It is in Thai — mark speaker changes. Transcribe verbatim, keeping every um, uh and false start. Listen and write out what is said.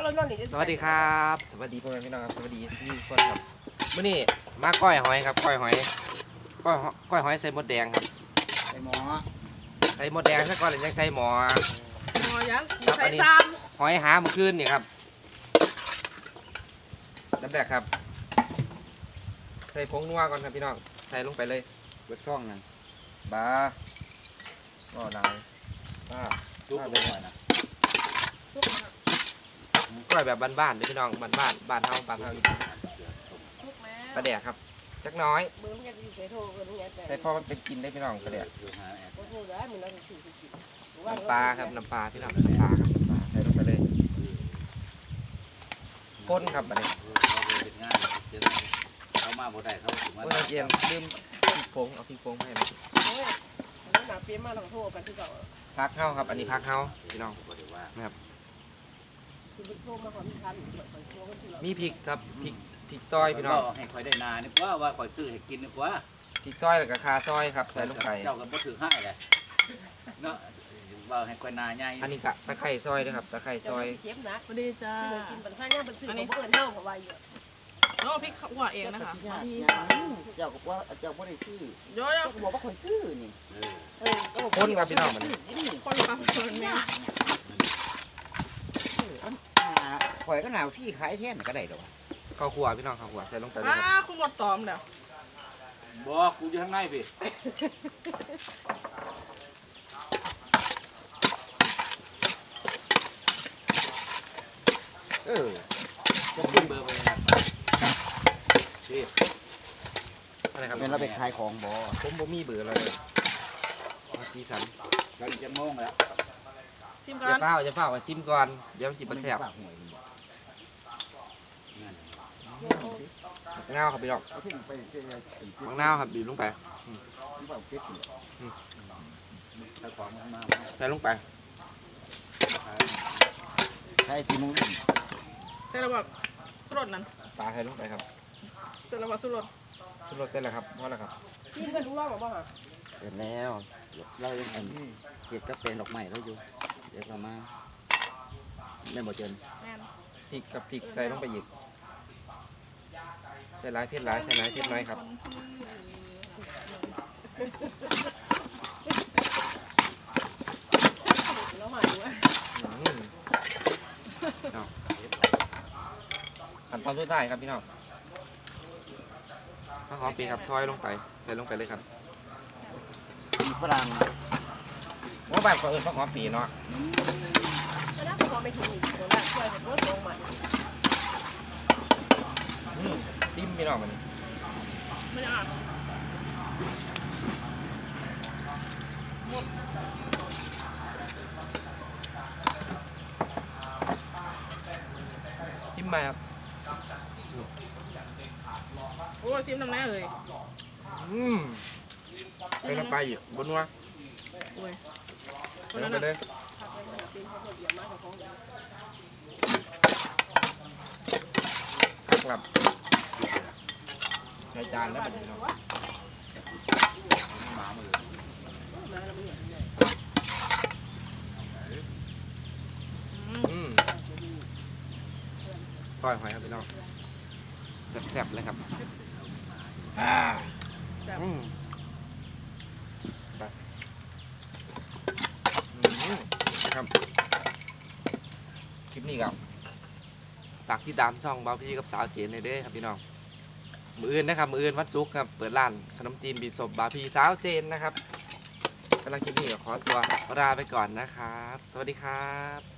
Speaker 1: สวัสดีครับสวัสดีพ่อแม่พี่น้องครับสวัสดีที่คนครับมื้อนี้มาก้อยหอยครับก้อยหอยก้อยก้อยหอยใส่มดแดงครับ
Speaker 2: ใส่หมอ
Speaker 1: ใส่มดแดงซะก่อนแล้วยังใส่หมอ
Speaker 3: หมอยังใส่
Speaker 1: ตามหอยหาเมื่อคืนนี่ครับน้ำแดกครับใส่ผงนัวก่อนครับพี่น้องใส่ลงไปเลย
Speaker 2: เบิดซ่องนั่น
Speaker 1: บ้าก็ได้บ้า
Speaker 2: จุ๊บเลยนะ
Speaker 1: ก้อยแบบบ้านๆเลยพี่น้องบ้านบ้านบ้านเฮาบ้านเฮาอีกปลาแดกครับจักน้อยใส่พ่อมันเป็นกินได้พี่น้องปลาแดกน้ำปลาครับน้ำปลาพี่น้องน้ำปลาครับน้ำปลาใส่ลงไปเลยก้นครับอันนี้
Speaker 2: เขามาบ่ได้เขาถึงมา
Speaker 1: เย็นลืมพริกผงเอาพริกผงให้นะพักเข้าครับอันนี้พักเข้าพี่น้องนะครับมีพริกครับพริกพริกซอยพี่น้อง
Speaker 2: ให้คอยได้นานี่ว่าว่าคอยซื้อให้กินนี่ว่า
Speaker 1: พริกซอยแล้วก็คาซอยครับใส่ลงไป
Speaker 2: เจ้าก็บ่ถือให้เลยเนาะว่าให้คอยนาใหญ่
Speaker 1: อันนี้กะตะไคร้ซอยด้วยครับตะไคร้ซอย
Speaker 3: เจ็บนักพอดีจ้ากินปันข้าวย่างปันซื้อของเพื่อนเท่าของวายเยอะโอ้พริกขั่วเองนะคะ
Speaker 2: เจ้าก็ว่าเจ้าบ่ได้ซื้อ
Speaker 3: โย่
Speaker 2: เจ้าก็บอกว่าคอยซื้อนี่
Speaker 1: เออคนครับพี่น้องมัน
Speaker 3: คนละคนเนี่ย
Speaker 2: ข่อยก็หนาวพี่ขายแท่นก็ได้ดอก
Speaker 1: ข้าวคั่วพี่น้องข้าวคั่วใส่ลงไปเลย
Speaker 3: อ่าคุณหมดตอมเดี๋ยว
Speaker 2: บอกกูอยู่ข้างในพี่เออจะขึ้นเบอร์ไปนะพี่
Speaker 1: อะไรครับ
Speaker 2: เป็นเราไปขายของบ่
Speaker 1: ผมบ่มีเบอร์เลยสีสัน
Speaker 2: เราจะงงแล้ว
Speaker 3: ชิมก่อน
Speaker 1: จะเฝ้าจะเฝ้าชิมก่อนเดี๋ยวจิบมันแซ่บมะนาวครับพี่น้องมะนาวครับบีบลงไปใส่ลงไป
Speaker 2: ใส่ทีมุ้ง
Speaker 3: ใส่ระบบสุรสนั่น
Speaker 1: ปลาใส่ลงไปครับ
Speaker 3: ใส่ระบบสุรส
Speaker 1: สุรสเสร็จแล้วครับพอแล้วครับ
Speaker 3: ชิมกันดูว่าหรือเปล่า
Speaker 2: เสร็จแล้วเรายังเก็บก็เป็นดอกไม้แล้วอยู่เดี๋ยวเรามาไม่หมดเจน
Speaker 1: พริกกับพริกใส่ลงไปอีกใส่หลายเผ็ดหลายใส่หลายเผ็ดน้อยครับขั้นตอนสุดท้ายครับพี่น้องข้าวหอมปีครับซอยลงไปใส่ลงไปเลยครับ
Speaker 2: ฝรั่ง
Speaker 1: ว่าแบบก็เออข้าวหอมปีเนาะ
Speaker 3: แล้วพอไปถึงอีกตัวละช่วยเป็นรถลงใหม่
Speaker 1: ซิมพี่น้องมัน
Speaker 3: ไม่ได้อ่ะหมด
Speaker 1: ซิมมาครับ
Speaker 3: โอ้ซิมน้ำแน่เลย
Speaker 1: อืมไปน้ำไปอีกบนวะ
Speaker 3: โอ้ย
Speaker 1: ไปลงไปเลยครับใช้จานแล้วแบบนี้เนาะอืมก้อยหอยครับพี่น้องแซ่บๆเลยครับอ่าอืมไปครับคลิปนี้ครับฝากที่ตามช่องเบาพี่กับสาวเขียนเลยเด้ครับพี่น้องมืออื่นนะครับมืออื่นวัดซุกครับเปิดร้านขนมจีนบีบศพบาพีสาวเจนนะครับสำหรับคลิปนี้ขอตัวลาไปก่อนนะครับสวัสดีครับ